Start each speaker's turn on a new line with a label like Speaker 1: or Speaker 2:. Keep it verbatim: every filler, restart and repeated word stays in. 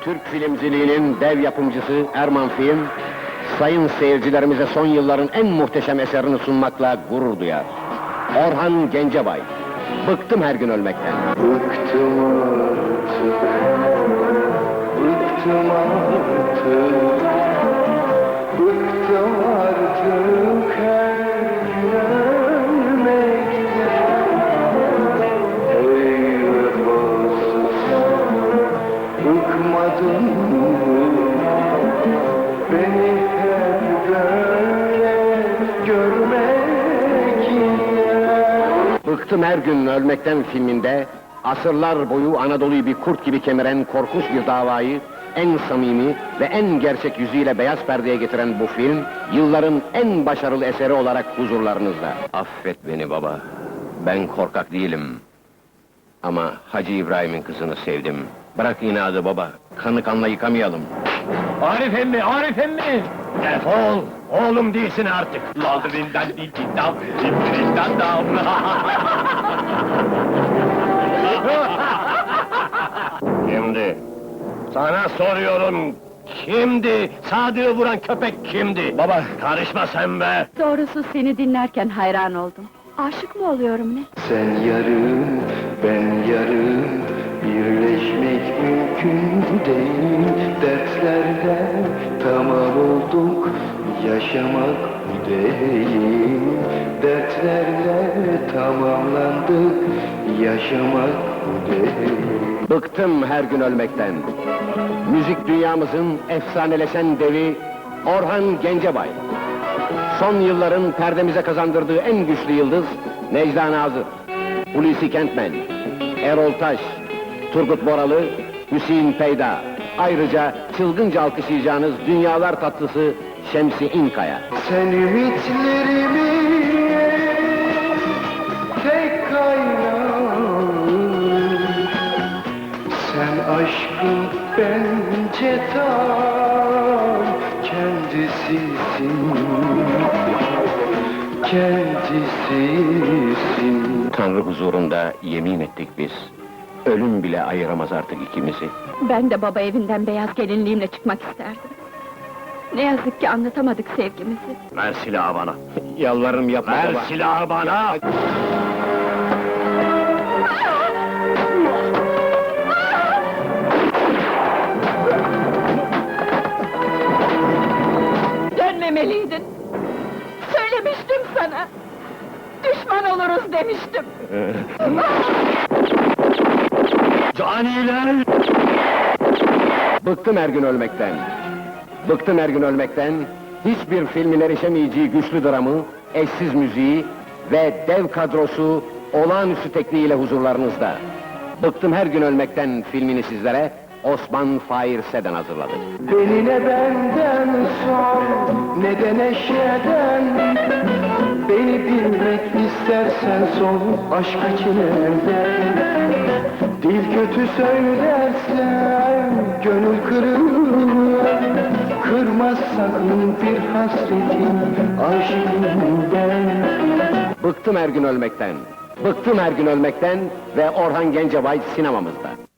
Speaker 1: Türk filmciliğinin dev yapımcısı Erman Film, sayın seyircilerimize son yılların en muhteşem eserini sunmakla gurur duyar. Orhan Gencebay, Bıktım Her Gün Ölmekten.
Speaker 2: Bıktım artık, bıktım artık, bıktım artık her gün ölmekten. Ey vefasız, bıkmadın mı beni hep böyle görmekten?
Speaker 1: Bıktım Her Gün Ölmekten filminde, asırlar boyu Anadolu'yu bir kurt gibi kemiren korkunç bir davayı en samimi ve en gerçek yüzüyle beyaz perdeye getiren bu film, yılların en başarılı eseri olarak huzurlarınızda. Affet beni baba, ben korkak değilim. Ama Hacı İbrahim'in kızını sevdim. Bırak inadı baba, kanı kanla yıkamayalım.
Speaker 3: Arif emmi, Arif emmi! Defol! Oğlum değilsin artık! Ladrinden dikidam, dikidam dam! Kimdi? Sana soruyorum, kimdi? Sadık'ı vuran köpek kimdi? Baba, karışma sen be!
Speaker 4: Doğrusu seni dinlerken hayran oldum. Aşık mı oluyorum ne?
Speaker 2: Sen yarım, ben yarım, birleşmek mümkün değil. Dertlerde tamam olduk, yaşamak bu değil. Dertlerle tamamlandık, yaşamak bu değil.
Speaker 1: Bıktım her gün ölmekten. Müzik dünyamızın efsaneleşen devi Orhan Gencebay. Son yılların perdemize kazandırdığı en güçlü yıldız Necla Nazır, Hulusi Kentmen, Erol Taş, Turgut Boralı, Hüseyin Peyda. Ayrıca çılgınca alkışlayacağınız dünyalar tatlısı Şemsi İnkaya.
Speaker 2: Sen ümitlerimi tek kaynağım, sen aşkın bence tam kendisisin, kendisisin.
Speaker 1: Tanrı huzurunda yemin ettik biz. Ölüm bile ayıramaz artık ikimizi.
Speaker 4: Ben de baba evinden beyaz gelinliğimle çıkmak isterdim. Ne yazık ki anlatamadık sevgimizi.
Speaker 3: Ver silahı bana!
Speaker 1: Yalvarırım yapma
Speaker 3: Ver
Speaker 1: baba.
Speaker 3: silahı bana!
Speaker 4: Dönmemeliydin! Söylemiştim sana! Düşman oluruz demiştim!
Speaker 3: Caniler!
Speaker 1: Bıktım her gün ölmekten. Bıktım her gün ölmekten. Hiçbir filmin erişemeyeceği güçlü dramı, eşsiz müziği ve dev kadrosu olağanüstü tekniğiyle huzurlarınızda. Bıktım her gün ölmekten filmini sizlere Osman Fair Seden hazırladı.
Speaker 2: Beni ne benden sor, ne de neşeden. Beni bilmek istersen sor, aşk için elden. Dil kötü söylersen, gönül kırılır. Kırmaz sakın bir hasretin aşkından.
Speaker 1: Bıktım her gün ölmekten. Bıktım her gün ölmekten ve Orhan Gencebay sinemamızda.